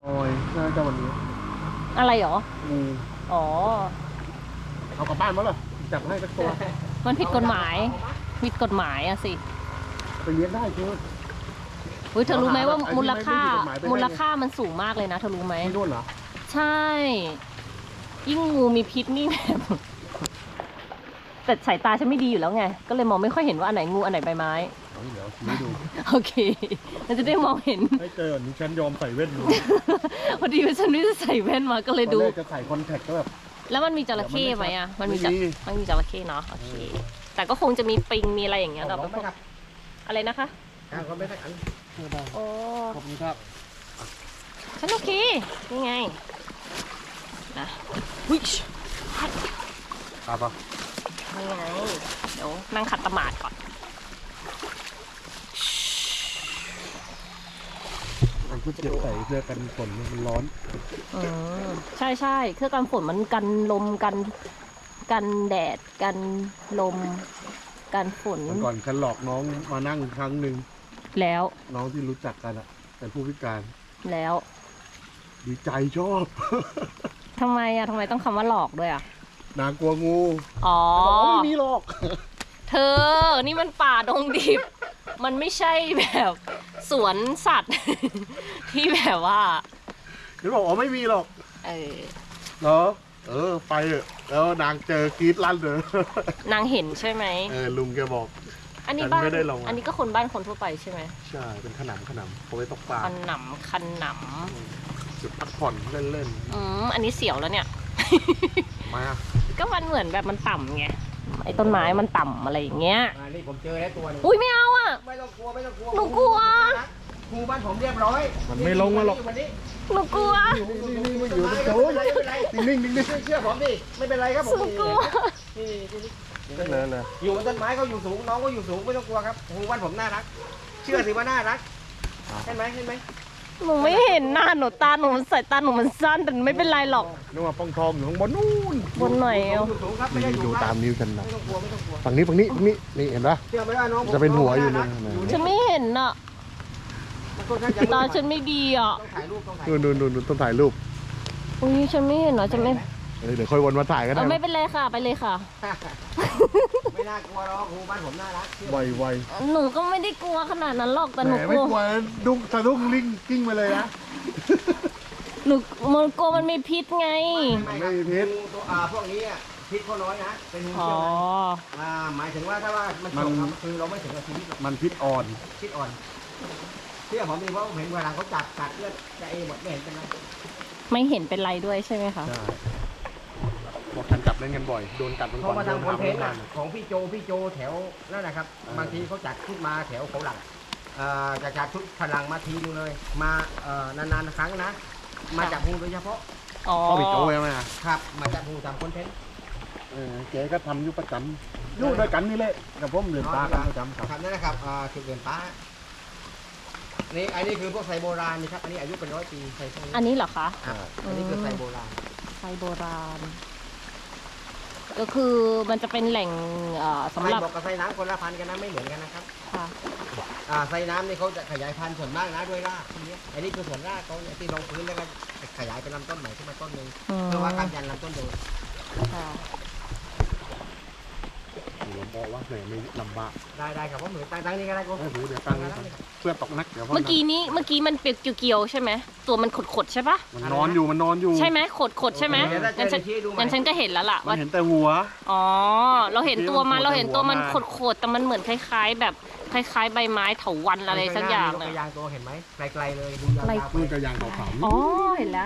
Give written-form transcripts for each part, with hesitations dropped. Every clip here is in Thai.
อยน่าจะวันนี้อะไรหรอ อ๋อเอากลับบ้านมั้งเหรอจับให้สักตัวมันผิดกฎหมายอะสิไปเลี้ยงได้คือเธอรู้ไหมว่ามูลค่ามันสูงมากเลยนะเธอรู้ไหมที่นู่นเหรอใช่ ยิ่งงูมีพิษนี่แบบ แต่สายตาฉันไม่ดีอยู่แล้วไง ก็เลยมองไม่ค่อยเห็นว่าอันไหนงูอันไหนใบไม้เดี๋ยวชี้ดูโอเคเราจะได้มองเห็นให้เจออันนี้ฉันยอมใส่เว่นดูพอดีว่าฉันไม่ได้ใส่แว่นมาก็เลยตอนดูแรกจะใส่คอนแทคก็แบบแล้วมันมีจระเข้ไหมอ่ะ มันมีจระเข้เนาะ โอเค แต่ก็คงจะมีปิง มีอะไรอย่างเงี้ยแต่พวกอะไรนะคะก็ไม่ได้อันโอ้ขอบคุณครับฉันโอเค นี่ไง นะวิชครับป่ะนี่ไง เดี๋ยวนั่งขัดตะหมาดก่อนมันก็จะใส่เสื้อกันฝนมันร้อนใช่เครื่องกันฝนมันกันลมกันแดดกันลมกันฝนก่อนฉันหลอกน้องมานั่งครั้งหนึ่งแล้วน้องที่รู้จักกันอะเป็นผู้พิการแล้วดีใจชอบทำไมต้องคำว่าหลอกด้วยอ่ะนางกลัวงูอ๋อบอกว่าไม่มีหรอกเธอ นี่มันป่าดงดิบ มันไม่ใช่แบบสวนสัตว์ ที่แบบว่าฉันบอกอ๋อไม่มีหรอกเออเหรอไปเถอะแล้วนางเจอกรีดลั่นเลยนางเห็นใช่ไหมลุงแกบอกอันนี้บ้านฉันไม่ได้ลงอะอันนี้ก็คนบ้านคนทั่วไปใช่ไหมใช่เป็นขนำเขาไว้ตกปลาคันหนจุดพักผ่อนเล่นอันนี้เสียวแล้วเนี่ยๆมาก็มันเหมือนแบบมันต่ำไง ไอ้ต้นไม้มันต่ำอะไรอย่างเงี้ยนี่ผมเจอแล้วตัวนึงอุ้ยไม่เอาอ่ะไม่ต้องกลัวหนูกลัวครูบ้านผมเรียบร้อยมันไม่ลงมาหรอกวันนี้หนูกลัวนี่อยู่ตรงโต๊ะไม่เป็นไรนิ่งๆนิ่งเชื่อผมดิไม่เป็นไรครับผมหนูกลัวนี่ๆก็เลยเลยอยู่บนต้นไม้เขาอยู่สูงน้องก็อยู่สูงไม่ต้องกลัวครับครูบ้านผมน่ารัก เชื่อสิว่าน่ารักเห็นไหมหนูไม่เห็นหน้าหนูสายตาหนูมันสั้นแต่ไม่เป็นไรหรอกนึกว่าป้องทองอยู่ข้างบนนู่นบนหน่อยอยู่สูงครับไม่ได้นี่อยู่ดูตามนิ้วฉันนะไม่ต้องกลัวไม่ต้องกลัวฝั่งนี้นี่เห็นปะเชื่อไหมว่าน้องผมจะเป็นหัวอยู่เลยฉันไม่เห็นอ่ะมันค่อนข้างจะตาฉันไม่ดีอ่ะต้องถ่ายรูปต้องถ่ายนู่นต้องถ่ายรูปอุ้ยฉันไม่เห็นเหรอฉันไม่เดี๋ยวค่อยวนมาถ่ายก็ได้ไม่เป็นไรค่ะไปเลยค่ะไม่น่ากลัวหรอกครูบ้านผมน่ารักเชื่อไวหนูก็ไม่ได้กลัวขนาดนั้นหรอกแต่ๆหนูแหมกไม่ลัวกลัวดุ้งสะดุ้งลิงกิ้งไปเลยนะมันกลัวมันมีพิษไงไม่มีพิษงูตัวพวกนี้อ่ะพิษเขาน้อยนะเป็นงูอ๋อเชื่อไหมหมายถึงว่าถ้าว่ามันจบครับคือเราไม่ถึงกับชีวิตหรอกมันพิษอ่อนพิษอ่อนเชื่อผมดิเพราะผมเห็นเวลาเขาจับกัดเลือดจะเอหมดไม่เห็นเป็นไรไม่เห็นเป็นไรด้วยใช่ไหมคะใช่บอกกันจับเล่นกันบ่อยโดนกัดมันเขาก่อนมาโดนทำคอนเทนต์กัอะของพี่โจแถวนั่นนะครับบางทีเขาจัดขึ้นมาแถวเขาหลังจะจัดชุดพลังมาทีนึงเลย มานานๆครั้งนะ มาจับงูโดยเฉพาะอ๋อก็ไปโจ้ใช่ไหมครับ มาจับงูทำคอนเทนต์แกก็ทำอยู่ประจำอยู่ด้วยกันนี่แหละกับผมเรียนตากันประจำครับครับนั่นนะครับจุดเด่นป้านี่อันนี้คือพวกไซโบราณนี่ครับอันนี้อายุเป็น100 ปีไซพวกนี้อันนี้เหรอคะอันนี้คือไซโบราณไซโบราณ ก็คือมันจะเป็นแหล่งสำหรับไซบอกกับไซน้ำคนละพันธุ์กันนะไม่เหมือนกันนะครับค่ะไซน้ำนี่เขาจะขยายพันธุ์ส่วนมากนะด้วยรากพวกนี้อันนี้คือส่วนรากเขาเนี่ยที่ลงพื้นแล้วก็ขยายเป็นลำต้นใหม่ขึ้นมาต้นหนึ่งเพื่อว่าการยันลำต้นเดิมค่ะผมบอกว่าแหมไม่ลำบากได้ครับว่าเหมือนตั้งนี่ก็ได้ก็เดี๋ยวตั้งเพื่อตกนักเดี๋ยวเมื่อกี้มันเปียกเกี่ยวๆใช่ไหมตัวมันขดๆใช่ปะมันนอนอยู่ใช่ไหมขดใช่ไหมงั้นฉันก็เห็นแล้วล่ะมันว่าเห็นแต่หัวอ๋อเราเห็นตัวมันขดแต่มันเหมือนคล้ายๆแบบคล้ายๆใบไม้เถาวัลย์อะไรสักอย่างเลเลยยยางตัวเห็นไหมไกลๆเลยดูยาวๆไปมือกระยางขาวๆอ๋อเห็นแล้ว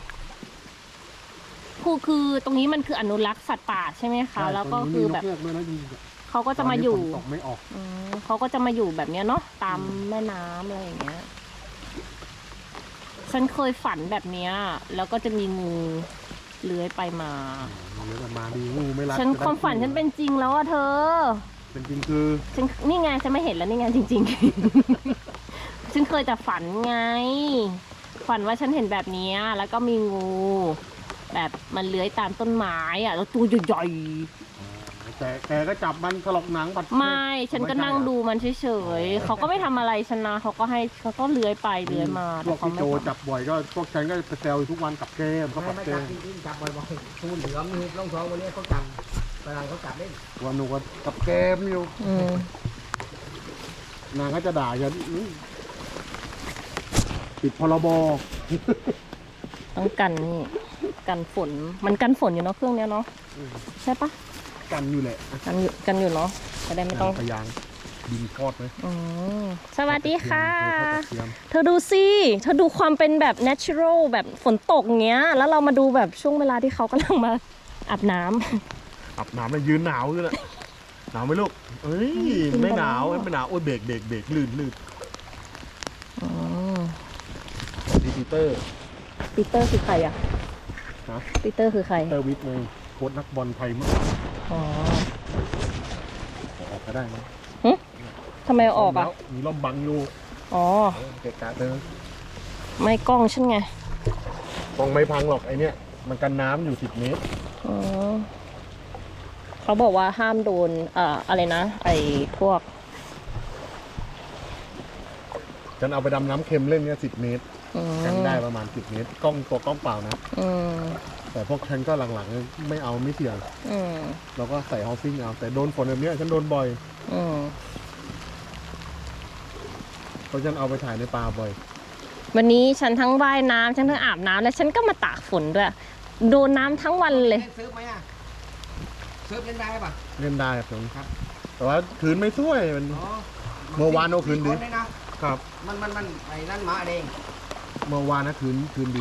คือตรงนี้มันคืออนุรักษ์สัตว์ป่าใช่ไหมคะแล้วก็คือแบบเขาก็จะมาอยู่ตกไม่ออกเขาก็จะมาอยู่แบบเนี้ยเนาะตามแม่น้ำอะไรอย่างเงี้ยฉันเคยฝันแบบเนี้ยแล้วก็จะมีงูเลื้อยไปมามาดีงูไม่รักฉันความฝันฉันเป็นจริงแล้วอะเธอเป็นจริงคือฉันนี่ไงฉันไม่เห็นแล้วนี่ไงจริงๆ ฉันเคยแต่ฝันไง ฝันว่าฉันเห็นแบบนี้แล้วก็มีงู แบบมันเลื้อยตามต้นไม้อะแล้วตัวใหญ่แต่แกก็จับมันถลอกหนังปัดไม่ฉันก็นั่งดูมันเฉยๆเขาก็ไม่ทำอะไรฉันนะเขาก็เลื้อยไปเลื้อยมาพวกเขาพี่ไม่โจทำจับบ่อยก็พวกฉันก็ไปแซวอยู่ทุกวันกับแกมเขาไม่กับไม่แกจับมจริงๆจับบ่อยๆทูนเหลือมนี่ร่องท้องวันนี้เขาจับฝรั่งเขาจับเล่นวันหนูก็กับแกมอยู่อืมนางก็จะด่าฉันปิดพรบต้องกันนี่กันฝนมันกันฝนอยู่เนาะเครื่องเนี้ยเนาะใช่ปะกันอยู่แหละกันอยู่เนาะจะได้ไม่ต้องพยางดินทอดไหมอืมสวัสดีค่ะกระเทียมเธอดูสิเธอดูความเป็นแบบ natural แบบฝนตกเงี้ย แล้วเรามาดูแบบช่วงเวลาที่เขากำลังมาอาบน้ำอาบน้ำเลยยืนหนาวอยู่แหละหนาวไหมลูกเอ้ยไม่หนาวไม่หนาวโอ้ยเบรกลื่นอืมดีปีเตอร์ปีเตอร์คือใครอะฮะปีเตอร์คือใครเตอร์วิทย์ไงโค้ชนักบอลไทยเมื่อก่อนอ๋อออกก็ได้นะทำไมเอาออกอะแล้วมีร่มบังอยู่อ๋อเกะกะเธอไม่กล้องฉันไงกองไม่พังหรอกไอเนี้ยมันกันน้ำอยู่10 เมตรอ๋อเขาบอกว่าห้ามโดนอะไรนะ ไอ้พวกฉันเอาไปดำน้ำเค็มเล่นเนี้ย10 เมตรอืมกันได้ประมาณ10 เมตรกล้องเปล่านะอืมแต่พวกฉันก็หลังๆไม่เอาไม่เสี่ยงอืมเราก็ใส่ฮอลซิ่งเอาแต่โดนฝนแบบเนี้ยฉันโดนบ่อยอืมเพราะฉันเอาไปถ่ายในป่าบ่อยวันนี้ฉันทั้งว่ายน้ำฉันทั้งอาบน้ำแล้วฉันก็มาตากฝนด้วย โดนน้ำทั้งวันเลยเล่นเซิร์ฟไหมอ่ะเซิร์ฟเล่นได้ป่ะเล่นได้ครับผมครับแต่ว่าคืนไม่ช่วยมันอ๋อเมื่อวานเอาคืนดิคเลยนะครับ มันไอ้นั่นหมาเองเมื่อวานนะคืนดี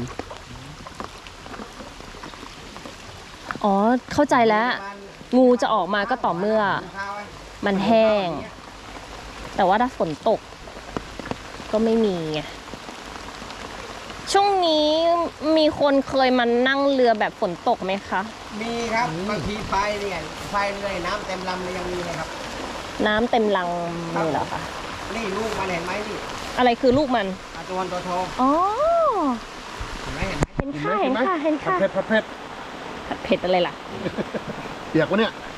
อ๋อ เข้าใจแล้ว งูจะออกมาก็ต่อเมื่อ มันแห้ง แต่ว่าถ้าฝนตก ก็ไม่มีไง ช่วงนี้มีคนเคยมานั่งเรือแบบฝนตกไหมคะมีครับบางทีไฟเนี่ยไฟเรื่อยน้ำเต็มลำเลยยังมีเลยครับน้ำเต็มลังเลยเหรอคะนี่ลูกมันเห็นไหมนี่อะไรคือลูกมันตัววันตัวทองอ๋อเห็นไหมเห็นไหมเห็นค่ะผัดเผ็ดผัดเผ็ดอะไรล่ะเปียกวะเนี่ย